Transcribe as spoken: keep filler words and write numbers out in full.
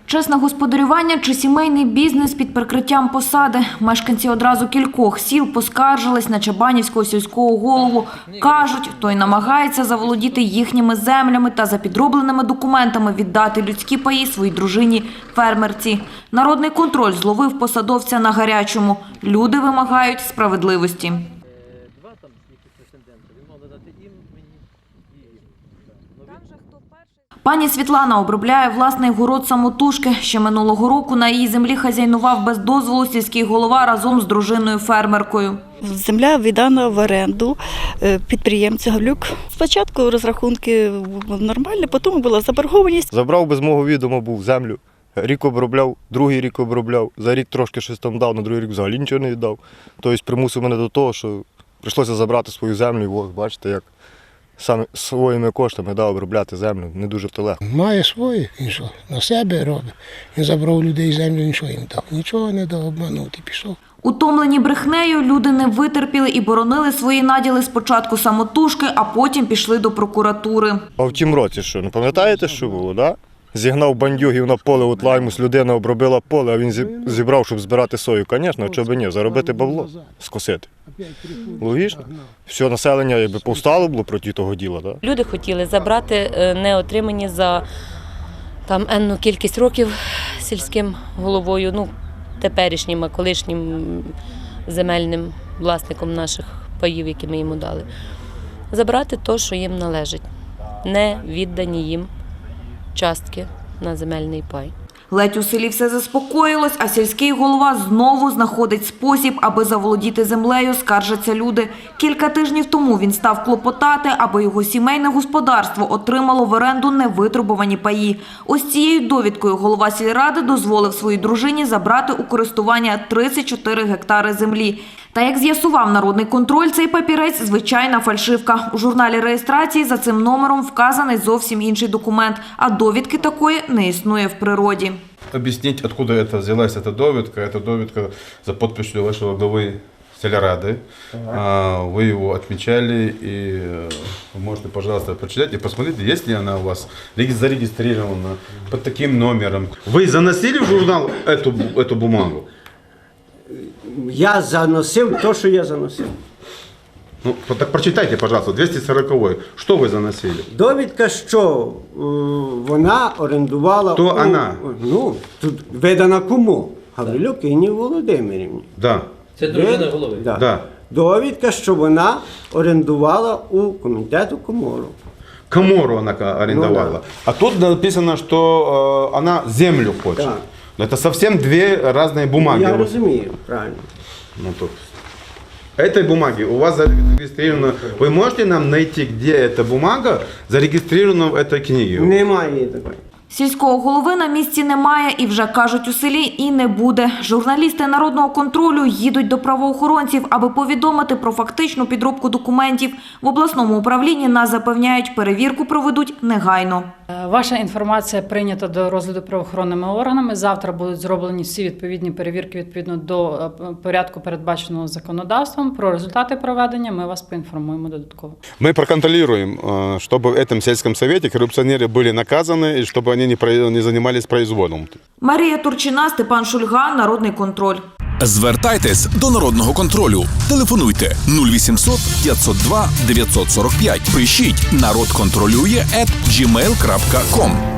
Чесне господарювання чи сімейний бізнес під прикриттям посади. Мешканці одразу кількох сіл поскаржились на Чабанівського сільського голову. Кажуть, той намагається заволодіти їхніми землями та за підробленими документами віддати людські паї своїй дружині-фермерці. Народний контроль зловив посадовця на гарячому. Люди вимагають справедливості. Пані Світлана обробляє власний город самотужки. Ще минулого року на її землі хазяйнував без дозволу сільський голова разом з дружиною-фермеркою. Земля віддана в оренду підприємцю Гавлюк. Спочатку розрахунки нормальні, потім була заборгованість. Забрав без мого відома був землю. Рік обробляв, другий рік обробляв. За рік трошки щось там дав, на другий рік взагалі нічого не віддав. Тобто примусив мене до того, що прийшлося забрати свою землю. І ось, бачите, як саме своїми коштами да, обробляти землю. Не дуже то легко. Має свої, він що, на себе робить. Він забрав людей землю, нічого їм дав. Нічого не дав, обманув і пішов. Утомлені брехнею, люди не витерпіли і боронили свої наділи спочатку самотужки, а потім пішли до прокуратури. А в тім році що, не пам'ятаєте, що було, да? Зігнав бандюгів на поле, от лаймус, людина обробила поле, а він зібрав, щоб збирати сою. Звісно, чого б ні, заробити бабло, скосити. Логічно. Все населення якби повстало було проти того діла. Да? Люди хотіли забрати неотримані за там енну кількість років сільським головою, ну, теперішнім, а колишнім земельним власником наших паїв, які ми йому дали. Забрати те, що їм належить, не віддані їм частки на земельний пай. Ледь у селі все заспокоїлось, а сільський голова знову знаходить спосіб, аби заволодіти землею, скаржаться люди. Кілька тижнів тому він став клопотати, аби його сімейне господарство отримало в оренду невитребувані паї. Ось цією довідкою голова сільради дозволив своїй дружині забрати у користування тридцять чотири гектари землі. Та, як з'ясував народний контроль, цей папірець – звичайна фальшивка. У журналі реєстрації за цим номером вказаний зовсім інший документ, а довідки такої не існує в природі. Объяснить, откуда это взялась эта довідка. Это довідка за подписью вашего главы сельрады. Ага. Вы его отмечали, и вы можете, пожалуйста, прочитать и посмотрите, есть ли она у вас зарегистрирована под таким номером. Вы заносили в журнал эту, эту бумагу? Я заносив те, що я заносив. Ну, так прочитайте, пожалуйста, двісті сороковий. Що ви заносили? Довідка, що е, вона орендувала... Хто у, вона? Ну, тут видана кому? Гаврилюк Інні Володимирівні. Да. Це дружина голови? Да. Да. Довідка, що вона орендувала у комітету Комору. Комору вона орендувала. Ну, да. А тут написано, що е, вона землю хоче. Так. Это совсем две разные бумаги. Я розумію, правильно. Ну, тут. Этой бумаги у вас зарегистрировано. Вы можете нам найти, где эта бумага зарегистрирована в этой книге? Немає її такої. Сільського голови на місці немає і вже, кажуть у селі, і не буде. Журналісти народного контролю їдуть до правоохоронців, аби повідомити про фактичну підробку документів. В обласному управлінні нас запевняють, перевірку проведуть негайно. Ваша інформація прийнята до розгляду правоохоронними органами. Завтра будуть зроблені всі відповідні перевірки відповідно до порядку, передбаченого законодавством. Про результати проведення ми вас поінформуємо додатково. Мы проконтролируем, чтобы в этом сельском совете коррупционеры были наказаны и чтобы они не занимались произволом. Марія Турчина, Степан Шульга, Народний контроль. Звертайтесь до Народного контролю. Телефонуйте нуль вісімсот п'ятсот два дев'ятсот сорок п'ять. Пишіть народ контролює ет джі мейл крапка ком.